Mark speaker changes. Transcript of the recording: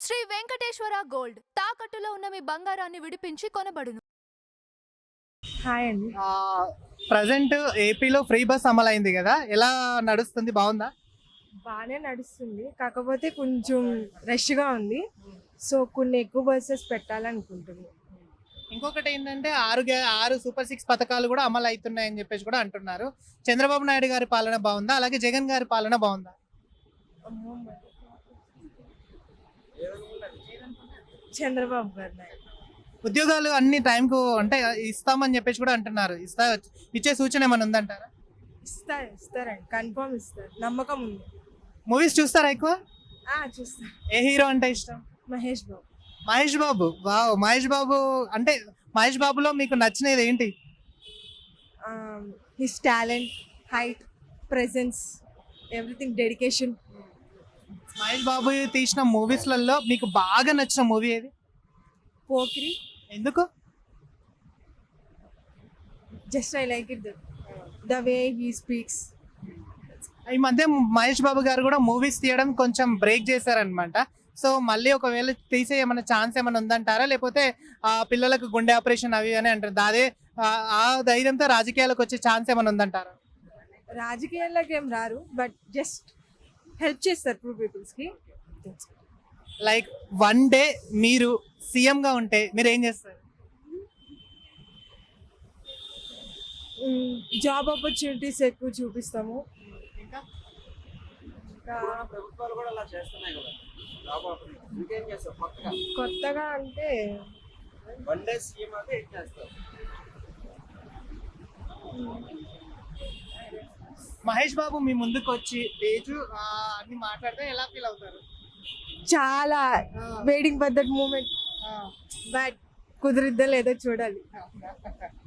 Speaker 1: Shri Venkateswara gold తాకట్టులో ఉన్న మీ బంగారాన్ని విడిపించి కొనబడును.
Speaker 2: హాయ్ అండి.
Speaker 3: ప్రజెంట్ ఏపీలో ఫ్రీ బస్ అమలైంది కదా, ఎలా నడుస్తుంది? బాగుందా?
Speaker 2: బాగానే నడుస్తుంది, కాకపోతే కొంచెం రష్గా ఉంది. సో కొన్ని ఎక్కువ బస్సెస్ పెట్టాలనుకుంటున్నాను.
Speaker 3: ఇంకొకటి ఏంటంటే ఆరు సూపర్ 6 పథకాలు కూడా అమలు అవుతున్నాయని చెప్పేసి కూడా అంటున్నారు. చంద్రబాబు నాయుడు గారి పాలన బాగుందా, అలాగే జగన్ గారి పాలన బాగుందా?
Speaker 2: చంద్రబాబు గారు నాయుడు.
Speaker 3: ఉద్యోగాలు అన్ని టైంకు అంటే ఇస్తామని చెప్పేసి కూడా అంటున్నారు. ఇచ్చే సూచన ఏమైనా ఉందంటారా?
Speaker 2: ఇస్తారండి, కన్ఫర్మ్ ఇస్తారు, నమ్మకం ఉంది.
Speaker 3: మూవీస్ చూస్తారా ఎక్కువ?
Speaker 2: చూస్తారు.
Speaker 3: ఏ హీరో అంటే ఇష్టం?
Speaker 2: మహేష్ బాబు.
Speaker 3: మహేష్ బాబు. వావ్, మహేష్ బాబు అంటే మహేష్ బాబులో మీకు నచ్చినది ఏంటి?
Speaker 2: His talent, height, presence, everything, dedication.
Speaker 3: Mahesh Babu తీసిన మూవీస్లలో మీకు బాగా నచ్చిన మూవీ ఏది?
Speaker 2: పోకిరి.
Speaker 3: ఎందుకు?
Speaker 2: Just I like it, the way he speaks.
Speaker 3: ఈ మధ్య మహేష్ బాబు గారు కూడా మూవీస్ తీయడం కొంచెం బ్రేక్ చేశారనమాట. సో మళ్ళీ ఒకవేళ తీసే ఏమైనా ఛాన్స్ ఏమైనా ఉందంటారా, లేకపోతే పిల్లలకు గుండె ఆపరేషన్ అవి అని అంటారు, అదే ఆ ధైర్యంతో రాజకీయాలకు వచ్చే ఛాన్స్ ఏమైనా ఉందంటారా?
Speaker 2: రాజకీయాల్లోకి ఏం రారు, బట్ జస్ట్ హెల్ప్ చేస్తారు పూర్ పీపుల్స్కి.
Speaker 3: లైక్ వన్ డే మీరు సీఎంగా ఉంటే మీరు ఏం చేస్తారు?
Speaker 2: జాబ్ ఆపర్చునిటీస్ ఎక్కువ చూపిస్తాము.
Speaker 3: ఇంకా
Speaker 4: ప్రభుత్వాలు కూడా అలా చేస్తున్నాయి కదా, జాబ్ ఆపర్చునిటీ. ఇంకేం చేస్తారు
Speaker 2: కొత్తగా అంటే
Speaker 4: వన్ డే సీఎం అంటే ఏం చేస్తారు?
Speaker 3: మహేష్ బాబు మీ ముందుకు వచ్చి తేజు అన్ని మాట్లాడితే ఎలా ఫీల్ అవుతారు?
Speaker 2: చాలా waiting for that moment, but కుదిరిద్దా లేదో చూడాలి.